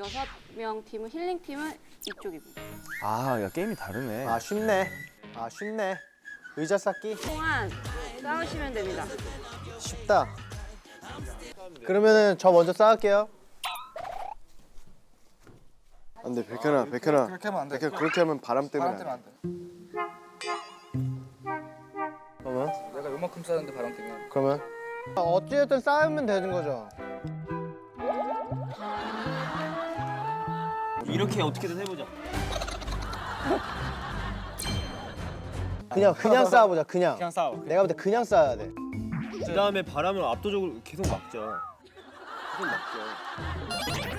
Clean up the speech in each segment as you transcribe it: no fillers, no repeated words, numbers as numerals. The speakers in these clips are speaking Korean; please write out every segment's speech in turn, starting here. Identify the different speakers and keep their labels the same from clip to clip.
Speaker 1: 6명 팀은 힐링 팀은 이쪽입니다.
Speaker 2: 아, 야 게임이 다르네.
Speaker 3: 아 쉽네. 아 쉽네. 의자 쌓기
Speaker 1: 동안 싸우시면 됩니다.
Speaker 3: 쉽다. 그러면은 저 먼저 쌓을게요.
Speaker 4: 안돼 백현아 백현아
Speaker 5: 그렇게 하면 안 돼.
Speaker 4: 백현 그렇게 하면 바람 때문에
Speaker 5: 바람
Speaker 4: 안
Speaker 5: 때문에
Speaker 4: 돼.
Speaker 5: 안 돼.
Speaker 3: 그러면
Speaker 5: 내가 요만큼 싸는데 바람 때문에.
Speaker 3: 그러면 어찌됐든 쌓으면 되는 거죠.
Speaker 2: 이렇게 어떻게든 해보자.
Speaker 3: 그냥 쌓아보자. 그냥.
Speaker 2: 싸워.
Speaker 3: 내가 볼 때 그냥 쌓아야 돼.
Speaker 2: 그 다음에 바람을 압도적으로 계속 막자. 계속 막자.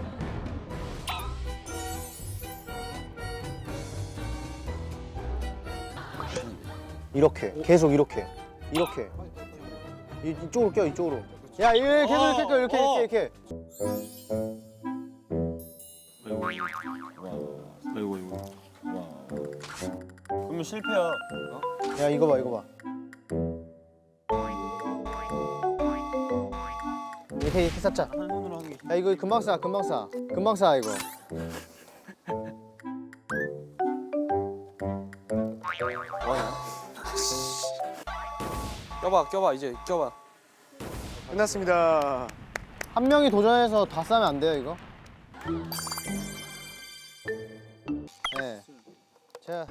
Speaker 3: 이렇게 계속 이렇게 이쪽으로 껴 이쪽으로. 야 이거 계속 이렇게 껴 이렇게.
Speaker 2: 아이고. 와. 그러면 실패야.
Speaker 3: 야 이거 봐. 이렇게 쌓자.
Speaker 2: 한 손으로 하는 게.
Speaker 3: 야 이거 금방 쌓아 이거.
Speaker 5: 껴봐 이제 껴봐.
Speaker 4: 끝났습니다.
Speaker 3: 한 명이 도전해서 다 싸면 안 돼요 이거? 네. 자.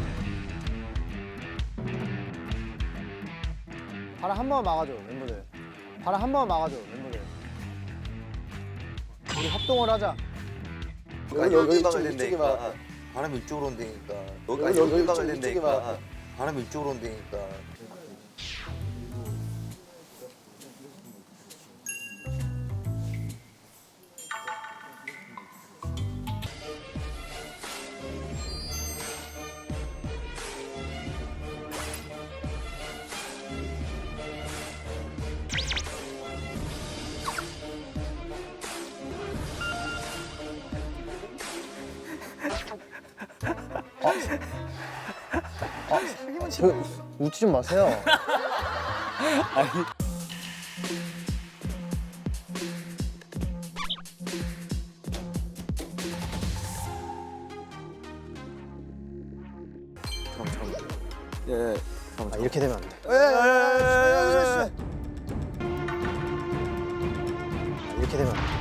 Speaker 3: 바람 한 번만 막아줘 멤버들. 바람 한 번만 막아줘 멤버들. 우리 협동을 하자.
Speaker 6: 여기 박아야 된다니까. 바람이 이쪽으로 온다니까. 여기 박아야 된다니까. 바람이 이쪽으로 온다니까.
Speaker 3: 웃지 좀 마세요.
Speaker 4: 예.
Speaker 3: 아, 이렇게 되면 안 돼. 이렇게 되면 안 돼.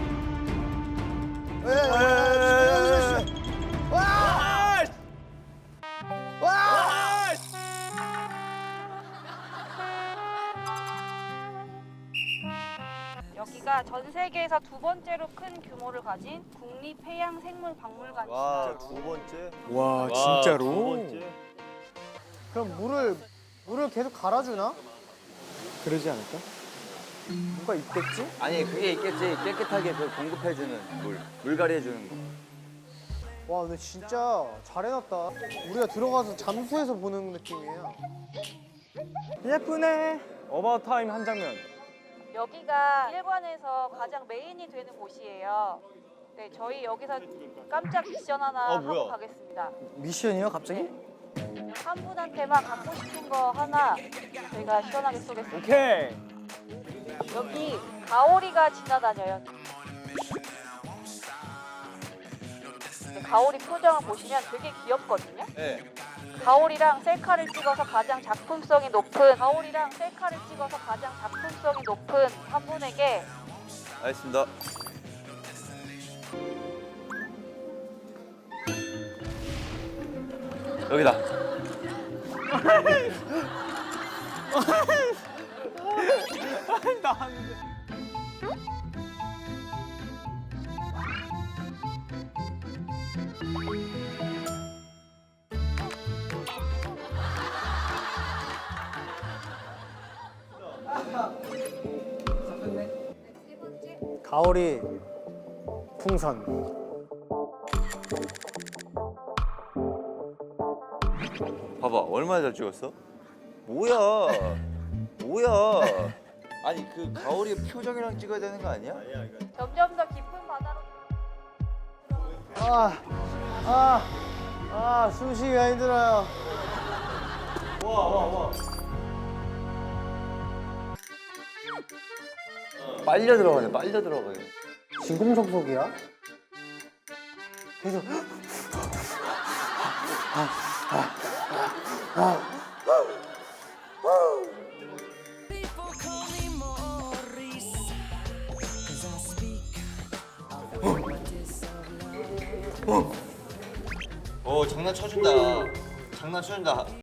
Speaker 1: 여기가 전 세계에서 두 번째로 큰 규모를 가진 국립해양생물박물관입니다.
Speaker 6: 와, 두 번째?
Speaker 4: 와
Speaker 2: 두
Speaker 4: 진짜로?
Speaker 2: 번째.
Speaker 3: 그럼 물을 계속 갈아주나?
Speaker 4: 그러지 않을까?
Speaker 3: 뭐가 있겠지?
Speaker 6: 아니, 그게 있겠지. 깨끗하게 그 공급해주는 물갈이 해주는 거.
Speaker 3: 와 근데 진짜 잘 해놨다. 우리가 들어가서 잠수해서 보는 느낌이에요. 예쁘네.
Speaker 2: 어바웃 타임 한 장면.
Speaker 1: 여기가 일관에서 가장 메인이 되는 곳이에요. 네, 저희 여기서 깜짝 미션 하나 하고
Speaker 2: 뭐야?
Speaker 1: 가겠습니다.
Speaker 3: 미션이요 갑자기?
Speaker 1: 한 분한테만 갖고 싶은 거 하나 저희가 시원하게 쏘겠습니다.
Speaker 2: 오케이.
Speaker 1: 여기 가오리가 지나다녀요. 가오리 표정을 보시면 되게 귀엽거든요.
Speaker 6: 네.
Speaker 1: 가오리랑 셀카를 찍어서 가장 작품성이 높은 한 분에게
Speaker 6: 알겠습니다. 여기다.
Speaker 3: 가오리 풍선.
Speaker 6: 봐봐, 얼마나 잘 찍었어? 뭐야? 아니, 그 가오리 표정이랑 찍어야 되는 거 아니야?
Speaker 1: 점점 더 깊은 바다로
Speaker 3: 숨 쉬기가 힘들어요.
Speaker 6: 빨려 들어가네.
Speaker 3: 진공청소기야? 계속.
Speaker 6: 장난 쳐준다. 장난 쳐준다.